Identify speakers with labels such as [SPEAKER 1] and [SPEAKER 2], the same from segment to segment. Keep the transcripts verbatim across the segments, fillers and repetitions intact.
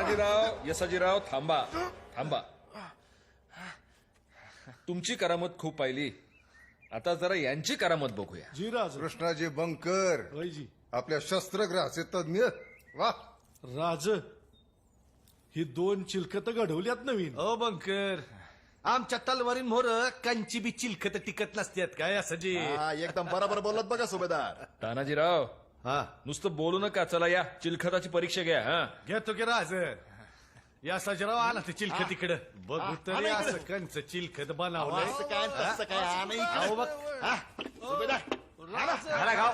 [SPEAKER 1] यसाजीराव यसाजीराव थांबा थांबा. तुमची करामत खूप पाहिली, आता जरा यांची करामत बघूया.
[SPEAKER 2] जी राज.
[SPEAKER 3] कृष्णाजी बंकर
[SPEAKER 2] वैजी.
[SPEAKER 3] आपल्या शस्त्रग्रहाचे तज्ञ. वा
[SPEAKER 2] राज, ही दोन चिलखत घडवल्यात नवीन.
[SPEAKER 4] ओ बंकर, आमच्या तलवारीन मोर कंची बी चिलखत टिकत नसतात काय असं जी.
[SPEAKER 5] हा, एकदम बरोबर बोलत बघा सुभेदार.
[SPEAKER 1] तानाजीराव
[SPEAKER 4] हा
[SPEAKER 1] नुसतं बोलू नका, चला या चिलखताची परीक्षा घ्या. हा
[SPEAKER 4] घेतो की राज. या सजराव आला ते चिलखत तिकडं बघू तरी असं कंच चिलखत बनवलंय.
[SPEAKER 5] असं काय तसं काय हा नाही
[SPEAKER 4] अहो बघ.
[SPEAKER 5] हा, सुभेदार
[SPEAKER 4] घाला गाव.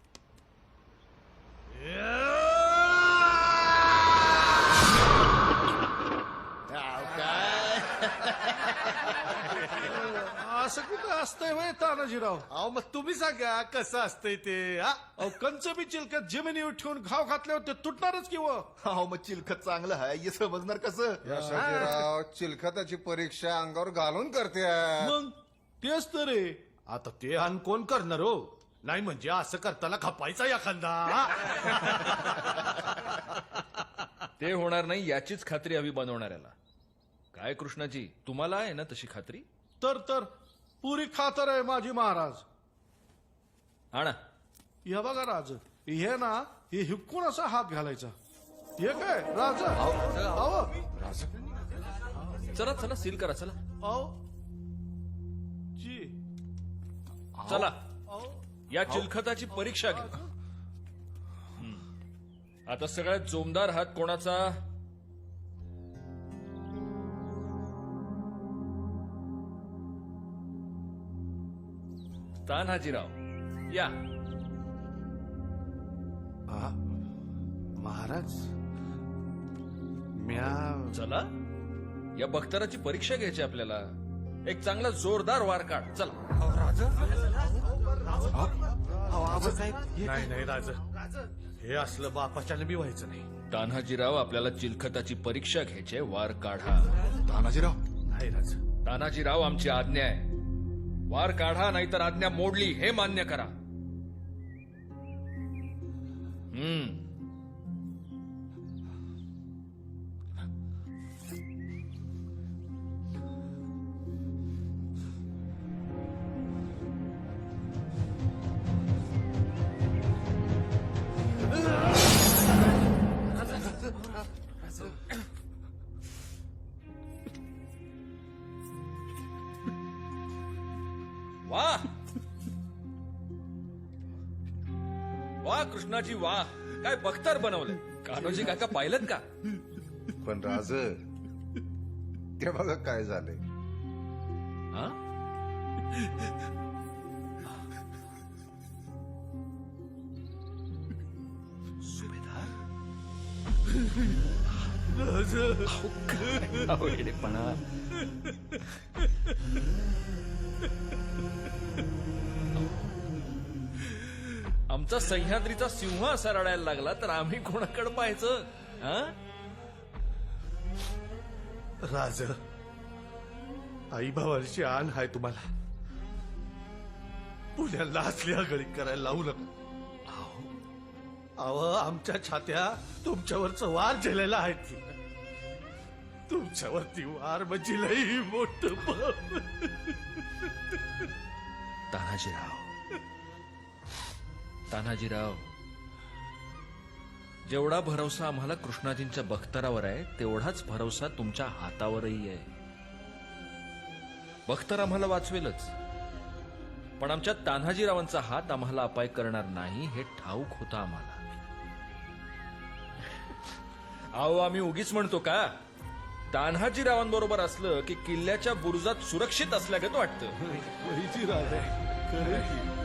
[SPEAKER 5] हा, काय
[SPEAKER 2] असं कुठं असतंय वय तानाजीराव?
[SPEAKER 4] अहो मग तुम्ही सांगा कसं असतंय ते. हा
[SPEAKER 2] अहो कंच बी चिलखत जमिनीवर ठेवून घाव घातल्यावर ते तुटणारच किंवा.
[SPEAKER 5] हो मग चिलखत चांगलं आहे हे समजणार कसं.
[SPEAKER 3] यशाजीराव चिलखताची परीक्षा अंगावर घालून करते.
[SPEAKER 2] मग तेच तर रे.
[SPEAKER 4] आता ते अन कोण करणार हो. नाही म्हणजे असं करताना खपायचा एखादा.
[SPEAKER 1] ते होणार नाही याचीच खात्री हवी बनवणाऱ्याला. काय कृष्णाजी, तुम्हाला आहे ना तशी खात्री?
[SPEAKER 2] तर तर पुरी खातर आहे माझी महाराज.
[SPEAKER 1] आणा.
[SPEAKER 2] हे बघा राज, हे ना हे हिपकून असा हात घालायचा. हे काय राज? अहो
[SPEAKER 1] चला चला सील करा चला.
[SPEAKER 2] अहो जी.
[SPEAKER 1] चला
[SPEAKER 2] अहो
[SPEAKER 1] या चिलखताची परीक्षा घ्या. हम्म. आता सगळ्यात जोमदार हात कोणाचा? तान्हाजीराव या.
[SPEAKER 4] हा? महाराज म्या
[SPEAKER 1] चला या बख्तराची परीक्षा घ्यायची आपल्याला. एक चांगला जोरदार वार काढ. चला.
[SPEAKER 4] नाही नाही राज, हे असलं बापाच्यानं बी व्हायचं नाही.
[SPEAKER 1] तान्हाजीराव आपल्याला चिलखताची परीक्षा घ्यायची आहे, वार काढा.
[SPEAKER 5] तानाजीराव
[SPEAKER 4] नाही राज.
[SPEAKER 1] तानाजीराव आमची आज्ञा आहे, वार काढा नाहीतर आज्ञा मोडली हे मान्य करा. हम्म. वा वा कृष्णाजी वा, काय बख्तर बनवलंय. कान्होजी काका पाहिलं का?
[SPEAKER 3] पण राज ते बघा काय झालंय.
[SPEAKER 1] हा? आमचा सह्याद्रीचा सिंह असा रडायला लागला तर आम्ही कोणाकडे पाहायचं? हा?
[SPEAKER 4] राज, आई भावाची आण हाय तुम्हाला. पुण्याला असली आगळी करायला लावू नका. अहो आमच्या छात्या तुमच्यावरच वार झेलेला आहे ती. तुमच्यावरती वार म्हणजे लई मोठ.
[SPEAKER 1] तानाजीराव तानाजीराव जेवढा भरवसा आम्हाला कृष्णाजींच्या बख्तरावर आहे तेवढाच भरवसा तुमच्या हातावरही आहे. बख्तर आम्हाला वाचवेलच, पण आमच्या तान्हाजीरावांचा हात आम्हाला अपाय करणार नाही हे ठाऊक होतं आम्हाला. अहो आम्ही उगीच म्हणतो का? तान्हाजीरावांबरोबर असलं की किल्ल्याच्या बुरुजात सुरक्षित असल्यागत वाटतं.
[SPEAKER 2] वैजी राज आहे खरं की.